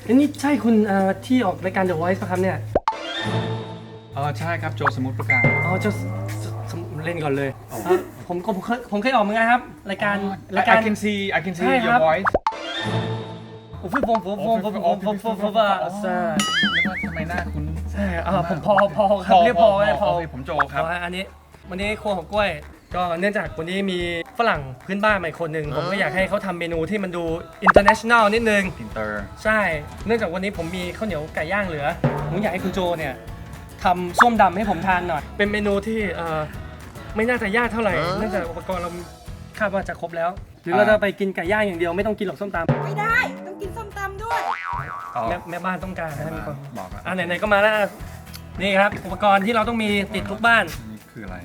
นี่ใช่คุณที่ออกรายการ The Voice ป่ะครับเนี่ยใช่ครับโจสมุทรปราการอ๋อจะเล่นก่อนเลยผมเคยออกเหมือนกันครับรายการ I can see ใช่ครั your บ voice ผมนึกว่าทำไมหน้าคุณใช่ผมพอครับเรียกพอไว้พอผมโจครับอันนี้วันนี้ครัวของกล้วยก็เนื่องจากวันนี้มีฝรั่งพื้นบ้านมาอีกคนหนึ่งผมก็อยากให้เขาทำเมนูที่มันดู international นิดนึงอินเตอร์ใช่เนื่องจากวันนี้ผมมีข้าวเหนียวไก่ย่างเหลือผมอยากให้คุณโจเนี่ยทำส้มดำให้ผมทานหน่อยเป็นเมนูที่ไม่น่าจะยากเท่าไหร่เนื่องจากอุปกรณ์เราคาดว่าจะครบแล้วหรือเราจะไปกินไก่ย่างอย่างเดียวไม่ต้องกินหรอกส้มตำไม่ได้ต้องกินส้มตำด้วยแม่บ้านต้องการนะมีคนบอกครับไหนๆก็มาแล้วนี่ครับอุปกรณ์ที่เราต้องมีติดทุกบ้านนี่คืออะไร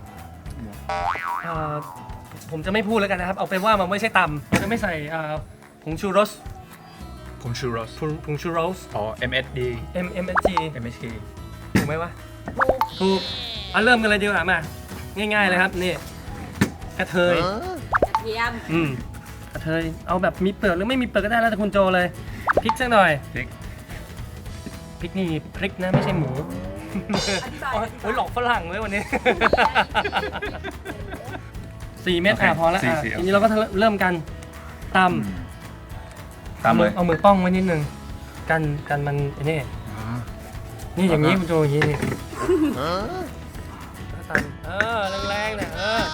ผมจะไม่พูดแล้วกันนะครับเอาเป็นว่ามันไม่ใช่ตำเราจะไม่ใส่ผงชูรสผมชูโรสผงชูรส MSD MSG MSG ถูกไหมวะถูกเริ่มกันเลยดีกว่ามาง่ายๆเลยครับนี่กระเทยกระเทียมกระเทยเอาแบบมีเปลือกหรือไม่มีเปลือกก็ได้แล้วแต่คุณโจเลยพริกสักหน่อยพริกพริกนี่พริกนะไม่ใช่หมูอธิบายโอ้ยหลอกฝรั่งเลยวันนี้ 4 เม็ดพอแล้วทีนี้เราก็เริ่มกันตำตามเลยเอามือป้องไว้นิดนึงกันมันไอ้นี่นี่อย่างนี้คุณโจอย่างนี้นี่ตำแรงๆนะ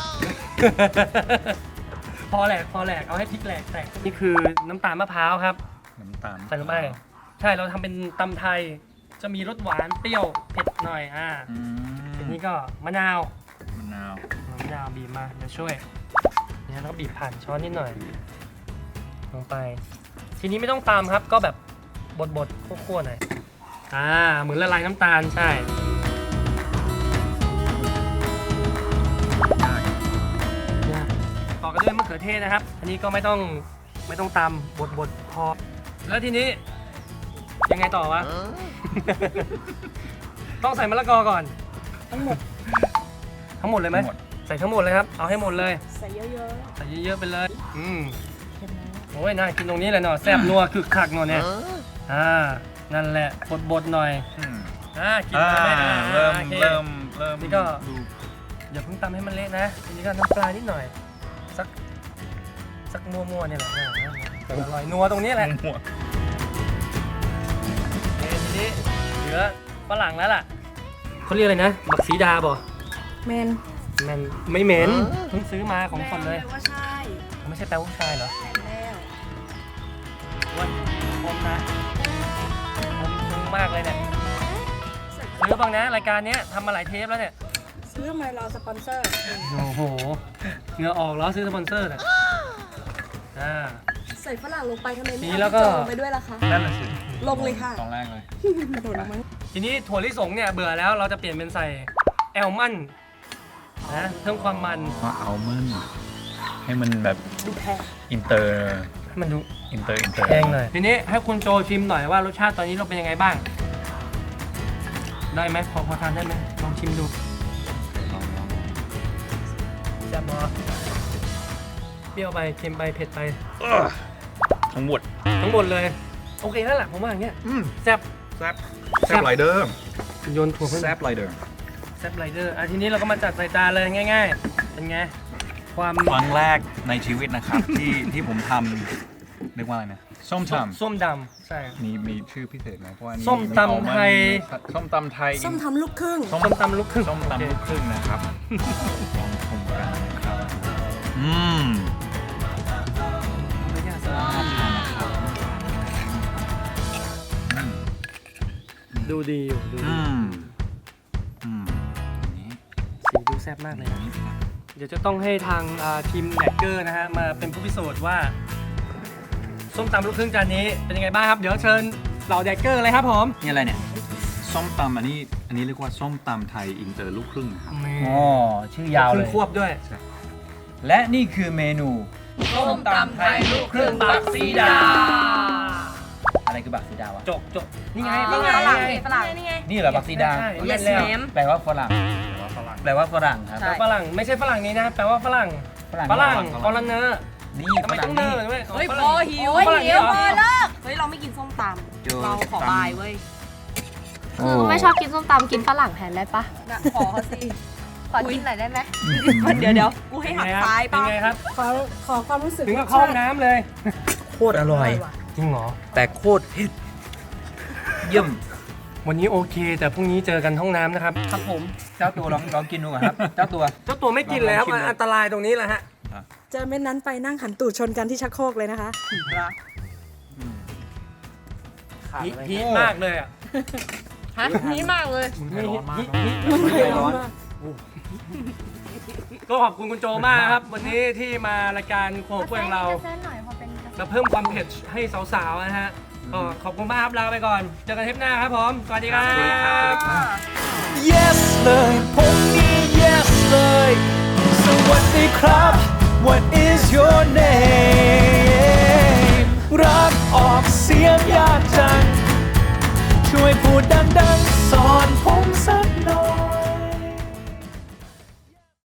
พอแหลกเอาให้พริกแหลกแตกนี่คือน้ำตาลมะพร้าวครับน้ำตาลใส่ลงไปใช่เราทำเป็นตำไทยจะมีรสหวานเปรี้ยวเผ็ดหน่อยทีนี้ก็มะนาวมะนาวบีบมาเดี๋ยวช่วยเนี่ยแล้วก็บีบผ่านช้อนนิดหน่อยลงไปทีนี้ไม่ต้องตามครับก็แบบบดคั่วๆหน่อยเหมือนละลายน้ำตาลใช่ต่อกันด้วยมะเขือเทศนะครับอันนี้ก็ไม่ต้องตำบดพอแล้วทีนี้ยังไงต่อวะ ต้องใส่มะละกอก่อนทั้งหมดเลยไหมใส่ทั้งหมดเลยครับเอาให้หมดเลยใส่เยอะใส่เยอะๆไปเลยๆเค็มนะโอ้ยน่ากินตรงนี้เลยเนาะแซ่บนัวคึกคักเนาะเนี่ยนั่นแหละบดหน่อยกินมาไหมเริ่มโอเค นี่ก็ดูอย่าเพิ่งตำให้มันเละนะทีนี้ก็น้ำปลานิดหน่อยสักมัวๆเนี่ยแหละอร่อยนัวตรงนี้แหละหัวทีนี้เหลือฝรั่งแล้วล่ะเขาเรียกอะไรนะบักสีดาบ่แมนมันไม่เหม็นเพิ่งซื้อมาของสดเลยแปว่าใช่ไม่ใช่แปลว่าผู้ชายเหรอแมนแล้วว่าอมนะอมซึ้งมากเลยเนี่ยซื้อบ้างนะรายการนี้ทำมาหลายเทปแล้วเนี่ยซื้อทำไมรอสปอนเซอร์โอ้โหเหงื่อออกแล้วซื้อสปอนเซอร์น่ะใส่ฝรั่งลงไปทำไมไม่นี่เอาแล้วก็พี่โจลงไปด้วยล่ะคะนั่นแหละสิลงเลยค่ะตอนแรกเลยกระโดดลงมาทีนี้ถั่วลิสงเนี่ยเบื่อแล้วเราจะเปลี่ยนเป็นใส่แอลมอนด์นะเพิ่มความมันว่าเอามันให้มันแบบดูแพงอินเตอร์ให้มันดูอินเตอร์แพงหน่อยทีนี้ให้คุณโจชิมหน่อยว่ารสชาติตอนนี้เราเป็นยังไงบ้าง ได้ไหมพอทานได้ไหมลองชิมดูแซ่บบ่เปรี้ยวไปเค็มไปเผ็ดไปทั้งหมดทั้งหมดเลยโอเคแล้วแหละผมว่าอย่างเงี้ยแซ่บแซบไรเดอร์โยนถั่วเพิ่มแซบไรเดอร์แซ่บไรเดอร์ทีนี้เราก็มาจัดใส่จานเลยง่ายๆเป็นไงความครั้งแรกในชีวิตนะครับ ที่ผมทำเรียกว่าอะไรนะส้มตำส้มดำใช่มีชื่อพิเศษไหมเพราะว่านี่ส้มตำไทยส้มตำไทยส้มทำลูกครึ่งส้มตำลูกครึ่งส้มตำลูกครึ่งนะครับลองชมกันนะครับดูดีอยู่ดูดีสีดูแซ่บมากเลยนะเดี๋ยวจะต้องให้ทางทีมแดกเกอร์นะฮะมาเป็นผู้พิสูจน์ว่าส้มตำลูกครึ่งจานนี้เป็นยังไงบ้างครับเดี๋ยวเชิญเหล่าแดกเกอร์เลยครับผมนี่อะไรเนี่ยส้มตำอันนี้เรียกว่าส้มตำไทยอินเตอร์ลูกครึ่งนะครับชื่อยาวเลยควบด้วยและนี่คือเมนูส้มตำไทยลูกครึ่งบักสีดาอะไรคือบักซีดาวะจกนี่ไงนี่ไงฝรั่งฝรั่งนี่ไงนี่เหรอบักซีดาใช่ Yes เล่นแล้ว ma'am แปลว่าฝรั่งแปลว่าฝรั่งครับใช่ฝรั่งไม่ใช่ฝรั่งนี้นะแปลว่าฝรั่งฟอลเนอร์นี่ทำไมต้องเนอร์ด้วยเฮ้ยฝพรั่อง หิวฝรั่งหิวเหรอพอเลิกเฮ้ยเราไม่กินส้มตำเจอเราขอบายเว้ยคือไม่ชอบกินส้มตำกินฝรั่งแทนได้ปะขอเขาสิขอกินหน่อยได้ไหมเดี๋ยวกูให้หักซ้ายเป็นป่ะไงครับขอความรู้สึกถึงกับเข้าห้องน้ำเลยโคตรอร่อยจริงเหรอแต่โคตรเผ็ดเยี่ยมวันนี้โอเค แต่พรุ่งนี้เจอกันห้องน้ำนะครับ ครับผมเจ้าตัวลองกินดูก่อนครับ เจ้าตัวเจ้าตัวไม่กินแล้วลองชิมดูอันตรายตรงนี้แหละฮะเจอเม็ดนั้นไปนั่งหันตูดชนกันที่ชักโครกเลยนะคะฮีทมากเลยอ่ะฮะนี้มากเลยร้อนก็ขอบคุณคุณโจมากครับ วันนี้ที่มารายการโคกของเราเส้นหน่อยพอเป็นเราเพิ่มความเผ็ดให้สาวๆนะฮะก็ขอบคุณมากครับลาไปก่อน เจอกันเทปหน้าครับผม สวัสดีครับ Yes เลยผมนี่ Yes เลยสวัสดีครับ What is your name รักออกเสียงยากจังช่วยพูดดัง